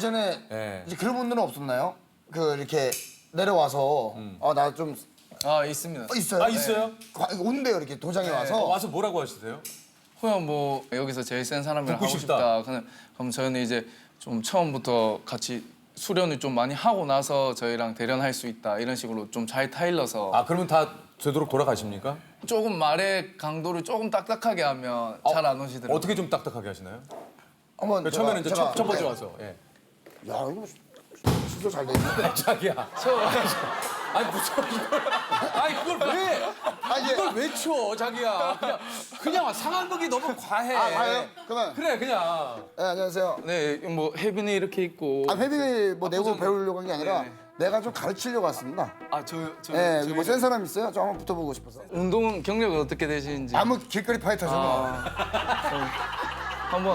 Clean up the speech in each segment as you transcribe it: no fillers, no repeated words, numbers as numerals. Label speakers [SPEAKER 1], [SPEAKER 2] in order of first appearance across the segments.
[SPEAKER 1] 예전에
[SPEAKER 2] 네.
[SPEAKER 1] 이제 그런 분들은 없었나요? 그 이렇게 내려와서 나 좀
[SPEAKER 3] 아 있습니다.
[SPEAKER 1] 있어요.
[SPEAKER 2] 아 있어요?
[SPEAKER 1] 온대요 이렇게 도장에 와서.
[SPEAKER 2] 와서 뭐라고 하시세요?
[SPEAKER 3] 그냥 뭐 여기서 제일 센 사람이랑
[SPEAKER 2] 붙고
[SPEAKER 3] 하고
[SPEAKER 2] 싶다.
[SPEAKER 3] 싶다. 그럼 저희는 이제 좀 처음부터 같이 수련을 좀 많이 하고 나서 저희랑 대련할 수 있다 이런 식으로 좀 잘 타일러서
[SPEAKER 2] 아 그러면 다 되도록 돌아가십니까?
[SPEAKER 3] 조금 말의 강도를 조금 딱딱하게 하면 잘 안 오시더라고요.
[SPEAKER 2] 어떻게 좀 딱딱하게 하시나요?
[SPEAKER 1] 한번
[SPEAKER 2] 처음에는 이제
[SPEAKER 1] 제가-
[SPEAKER 2] 첫 번째 와서. 예.
[SPEAKER 1] 야 이거 진짜 잘 돼 있네.
[SPEAKER 2] 자기야. 아니 무슨 이걸? 아니 그걸 왜?
[SPEAKER 1] 이제
[SPEAKER 2] 이걸 왜 쳐, 자기야? 그냥 상황극이 너무 과해.
[SPEAKER 1] 가요? 그러면
[SPEAKER 2] 그래 그냥.
[SPEAKER 1] 네, 안녕하세요.
[SPEAKER 3] 네, 뭐 혜빈이 이렇게 있고.
[SPEAKER 1] 회비를 뭐 내고
[SPEAKER 3] 좀-
[SPEAKER 1] 배우려고 한 게 아니라
[SPEAKER 3] 네네.
[SPEAKER 1] 내가 좀 가르치려고 왔습니다.
[SPEAKER 3] 저
[SPEAKER 1] 네, 뭐 센 사람 있어요? 저 한번 붙어보고 싶어서.
[SPEAKER 3] 운동 경력은 어떻게 되시는지.
[SPEAKER 1] 아무 길거리 파이터잖아.
[SPEAKER 3] 한번.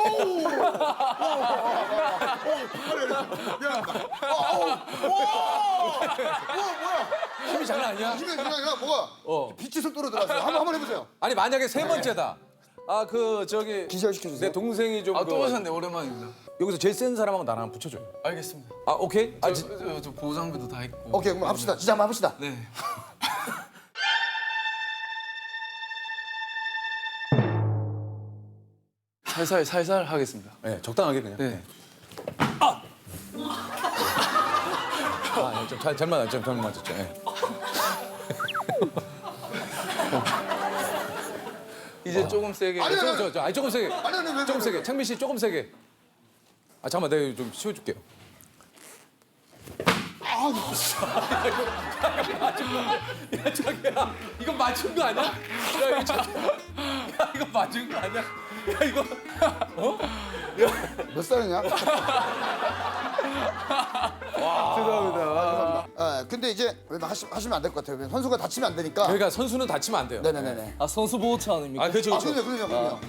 [SPEAKER 2] 힘이 장난 아니야?
[SPEAKER 1] 지금 뭐가 빛이 속도로 들어왔어요. 한번 해보세요.
[SPEAKER 2] 아니 만약에 세 번째다. 아 그 저기
[SPEAKER 1] 기절시켜주세요.
[SPEAKER 2] 내 동생이 좀
[SPEAKER 3] 또 오셨네, 오랜만입니다.
[SPEAKER 2] 여기서 제일 센 사람하고 나랑 한번 붙여줘요.
[SPEAKER 3] 알겠습니다.
[SPEAKER 2] 아 오케이? 아,
[SPEAKER 3] 저 보호장비도 다 있고.
[SPEAKER 1] 오케이, 그럼 합시다. 진짜 한번 합시다.
[SPEAKER 3] 네. 살살 하겠습니다.
[SPEAKER 2] 네, 적당하게 그냥.
[SPEAKER 3] 네.
[SPEAKER 2] 잘 맞았죠, 잘 맞았죠. 예.
[SPEAKER 3] 이제 조금 세게.
[SPEAKER 1] 아니,
[SPEAKER 2] 아니 조금 세게.
[SPEAKER 1] 아니, 왜,
[SPEAKER 2] 조금 세게. 창민 씨 조금 세게. 아 잠깐만, 내가 좀 씌워줄게요. 야 자기야, 이거 맞은 거 아니야? 야 이거 이거 맞은 거 아니야? 야 이거
[SPEAKER 1] 몇 살이냐?
[SPEAKER 2] 죄송합니다.
[SPEAKER 1] 근데 이제 왜 하시면 안 될 것 같아요. 선수가 다치면 안 되니까.
[SPEAKER 2] 그러니까 선수는 다치면 안 돼요.
[SPEAKER 1] 네네네네.
[SPEAKER 3] 선수 보호차 아닙니까?
[SPEAKER 2] 아 그렇죠, 그렇죠.
[SPEAKER 1] 그럼요.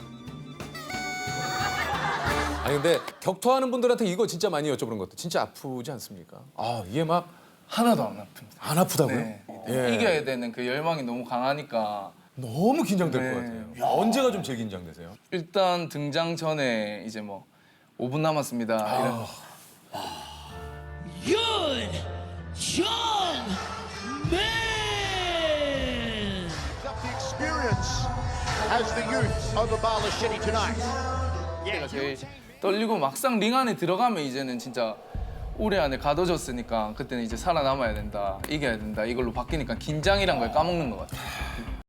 [SPEAKER 2] 아니 근데 격투하는 분들한테 이거 진짜 많이 여쭤보는 것도 진짜 아프지 않습니까? 아 이게 막 안
[SPEAKER 3] 하나도 안 아픕니다.
[SPEAKER 2] 아프다고요?
[SPEAKER 3] 네.
[SPEAKER 2] 예.
[SPEAKER 3] 이겨야 되는 그 열망이 너무 강하니까
[SPEAKER 2] 너무 긴장될
[SPEAKER 3] 네.
[SPEAKER 2] 것 같아요. 언제가 좀 제일 긴장되세요?
[SPEAKER 3] 일단 등장 전에 이제 뭐 5분 남았습니다. 이런
[SPEAKER 4] Yun John Man.
[SPEAKER 5] Up the experience as the youth over Bala City tonight.
[SPEAKER 3] 때가 제일 떨리고 막상 링 안에 들어가면 이제는 진짜 올해 안에 가둬졌으니까 그때는 이제 살아남아야 된다, 이겨야 된다 이걸로 바뀌니까 긴장이란 걸 까먹는 것 같아요.